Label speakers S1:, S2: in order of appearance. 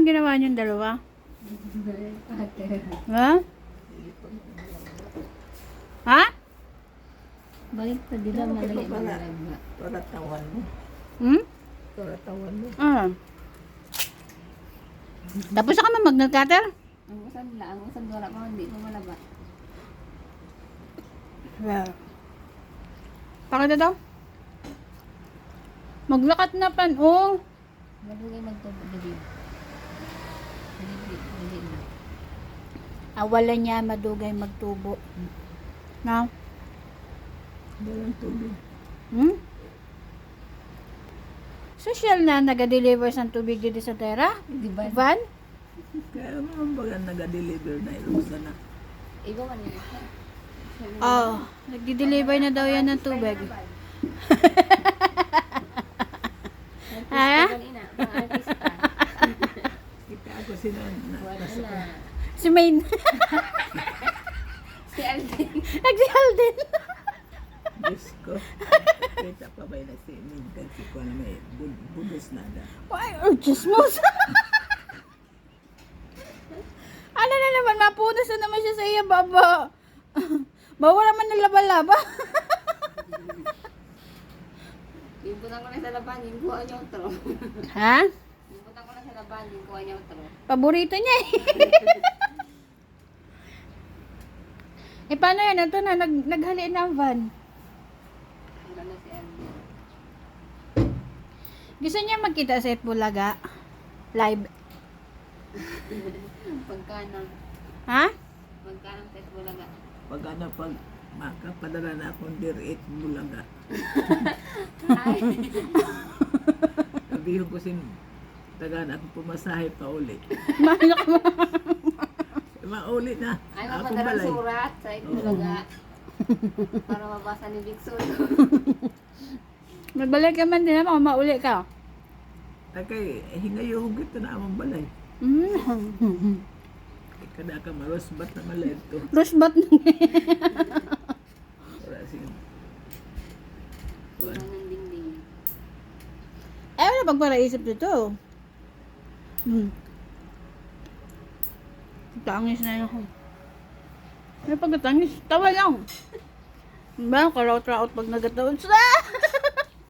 S1: ginawa niyong dalawa? Ha? Ha?
S2: Balik pa dila malay
S3: pala.
S2: na.
S3: Paratawan mo.
S1: Hmm?
S3: Paratawan mo.
S1: Ah. Tapos ka na mag-nail cutter?
S2: Ang usan wala pa hindi pa malaba.
S1: Well. Pakita daw. Maglakat na pan, oh.
S2: Madugay magtubo dili. Dili na.
S1: Awalan niya madugay magtubo. Na?
S3: Walang tubig.
S1: Hmm? Social na naga-deliver ng tubig dito sa Tera?
S2: Di ba?
S1: Van?
S3: Kaya naman baga nag-deliver na ilusa na.
S2: Iba man yun.
S1: Oh, nagdi-deliver na daw yan ng tubig. Ha?
S2: Kanina, mga artista.
S3: Kita ako sila
S2: Wala na.
S1: Si Maine.
S2: Si Alvin.
S1: Nagsihal din.
S3: Diyos ko. Kita pa ba na si Mintan si ko na may budos na da.
S1: Ay, oh, chismos. Ano na naman, mapunas na naman siya sa iya, baba. Bawa naman ng laba-laba.
S2: Ibutan ko na sa laban, yung kuha niya utro.
S1: Ha?
S2: Ibutan ko na sa laban, yung kuha niya utro.
S1: Paborito niya eh. Eh, paano yan? Ito na, naghaliin na ang van.
S2: Wala na si Alvin.
S1: Gusto niya magkita sa Itbulaga? Live.
S2: Pagkano?
S1: Ha?
S2: Pagkano sa Bulaga?
S3: Pag ano, pag makapadala na akong direct bulaga.
S2: Ay!
S3: Sabihin ko sin tagaan ako pumasahe pa uli.
S1: Mahal mo.
S3: Mauli na.
S2: Ay,
S3: Ako
S2: mapadala
S3: balay.
S2: surat sa Bulaga. Para mabasa ni Bigson.
S1: Magbalik ka man din naman, mauli ka.
S3: Takay, hingayo hugit na amang balay.
S1: Mm.
S3: Kada ka marosbat na malento.
S1: Rosbat na.
S3: Wala sige.
S2: Kurang ng dingding.
S1: Eh, wala pang paraisip dito. Tangis na yun. May pagkatangis, tawa lang. Ba, karaot-raot pag nagataon.